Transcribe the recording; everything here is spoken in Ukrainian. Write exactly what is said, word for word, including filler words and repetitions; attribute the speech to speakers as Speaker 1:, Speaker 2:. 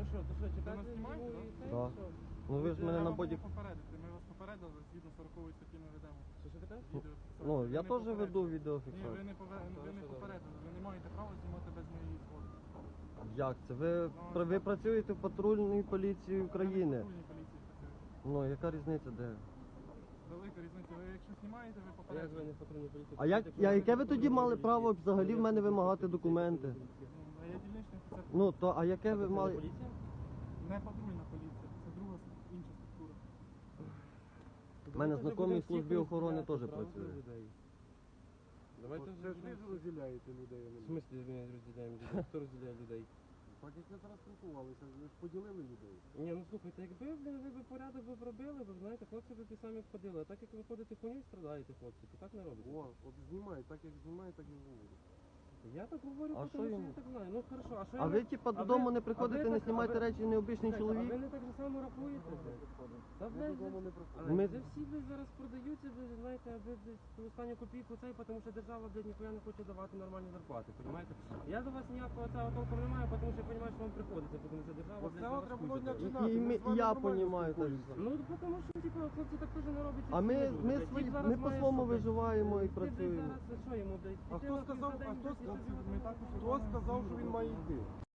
Speaker 1: що, то що,
Speaker 2: Ви
Speaker 1: чекати?
Speaker 2: нас знімаєте,
Speaker 1: ну,
Speaker 2: да?
Speaker 1: і це,
Speaker 3: Да.
Speaker 1: що?
Speaker 3: Ну ви ж мене на
Speaker 2: Треба було
Speaker 3: бодік...
Speaker 2: попередити. Ми вас попередили, згідно сорокової статті ми ведемо.
Speaker 1: Що, що таке?
Speaker 2: Відеофіксацію.
Speaker 3: Ну,
Speaker 2: Ви
Speaker 3: я
Speaker 2: не
Speaker 3: теж
Speaker 2: попередили.
Speaker 3: веду
Speaker 2: Ні, ви
Speaker 3: відеофіксацію.
Speaker 2: не, пове... ви не попередили. Ви не маєте права знімати без моєї згоди.
Speaker 3: Як це? Ви, пр- ви працюєте в патрульній поліції України.
Speaker 2: Я не в патрульній поліції працюю.
Speaker 3: Ну, яка різниця де?
Speaker 2: Велика різниця. Ви якщо знімаєте, ви
Speaker 1: А як ви
Speaker 2: попередили.
Speaker 1: не в патрульній поліції?
Speaker 3: А як, я, яке ви тоді мали право взагалі в мене вимагати документи?
Speaker 2: Ну, а я дільничний офіцер.
Speaker 3: Ну, то, а яке ви
Speaker 1: Це не
Speaker 3: мали...
Speaker 1: поліція?
Speaker 2: Не патрульна поліція. Це друга інша структура.
Speaker 3: У мене
Speaker 1: Давайте
Speaker 3: знайомий
Speaker 1: вже
Speaker 3: в службі
Speaker 1: будемо
Speaker 3: охорони
Speaker 1: всіх
Speaker 3: теж
Speaker 1: правди
Speaker 3: працює.
Speaker 1: людей. Давайте
Speaker 4: Це
Speaker 1: вже
Speaker 4: ж ви
Speaker 1: будемо
Speaker 4: ж
Speaker 1: всіх-
Speaker 4: розділяєте людей. а не
Speaker 1: В
Speaker 4: ми.
Speaker 1: смислі ми розділяємо людей? Хто розділяє людей?
Speaker 4: Так як ви зараз спілкувалися, ви ж поділили людей.
Speaker 1: Ні, ну слухайте, якби блін, ви б порядок би зробили, ви знаєте, хлопці б ті самі входили. А так як ви ходите хуйню і страдаєте, хлопці, то так не робиться.
Speaker 4: О, от знімає, так як знімає, так і говорю.
Speaker 1: Я так говорю,
Speaker 3: А
Speaker 1: тому
Speaker 3: що
Speaker 1: що
Speaker 3: йому?
Speaker 1: я так знаю. Ну хорошо, а що
Speaker 3: А
Speaker 1: я
Speaker 3: ви
Speaker 1: не-
Speaker 3: типа
Speaker 1: а
Speaker 3: додому
Speaker 1: ви-
Speaker 3: не
Speaker 1: а
Speaker 3: приходите,
Speaker 1: ви
Speaker 3: не
Speaker 1: так-
Speaker 3: знімаєте
Speaker 1: а ви-
Speaker 3: речі, необичний
Speaker 1: Слухайте,
Speaker 3: чоловік?
Speaker 1: А ви не так же само рахуєте? блядь? Та блядь,
Speaker 4: Додому
Speaker 1: вже-
Speaker 4: не
Speaker 1: але
Speaker 4: приходимо.
Speaker 3: Ми-
Speaker 1: вже всі блядь, зараз продаються, блядь, знаєте, аби блядь, ту останню копійку цей, тому що держава, блядь, ніхуя не хоче давати нормальні зарплати, розумієте? Я до вас ніякого цього толку не маю, тому що я розумію, що вам приходиться, тому що держава,
Speaker 4: От
Speaker 1: блядь,
Speaker 4: цього
Speaker 1: за вас
Speaker 4: треба
Speaker 1: хуй
Speaker 4: було
Speaker 1: забере.
Speaker 4: не
Speaker 3: І,
Speaker 4: починати.
Speaker 3: і,
Speaker 4: ми
Speaker 3: ми,
Speaker 4: з вами
Speaker 3: і я
Speaker 4: нормально
Speaker 3: понімаю теж.
Speaker 4: спілкуємося.
Speaker 1: Ну, тому що, типу, хлопці так теж не роблять.
Speaker 3: А
Speaker 1: всі
Speaker 3: ми,
Speaker 1: люди,
Speaker 3: ми,
Speaker 1: блядь.
Speaker 3: свої,
Speaker 1: Тіп зараз
Speaker 3: ми
Speaker 1: має,
Speaker 3: по-своєму
Speaker 1: що, блядь,
Speaker 3: виживаємо і
Speaker 1: ти, блядь,
Speaker 3: працюємо.
Speaker 1: зараз, що йому, блядь,
Speaker 4: А
Speaker 1: піти
Speaker 4: хто
Speaker 1: нахуй
Speaker 4: сказав,
Speaker 1: за день,
Speaker 4: а хто
Speaker 1: блядь, і
Speaker 4: сказав,
Speaker 1: собі
Speaker 2: Ми
Speaker 1: отам-
Speaker 2: також
Speaker 4: Хто сказав, що він має йти?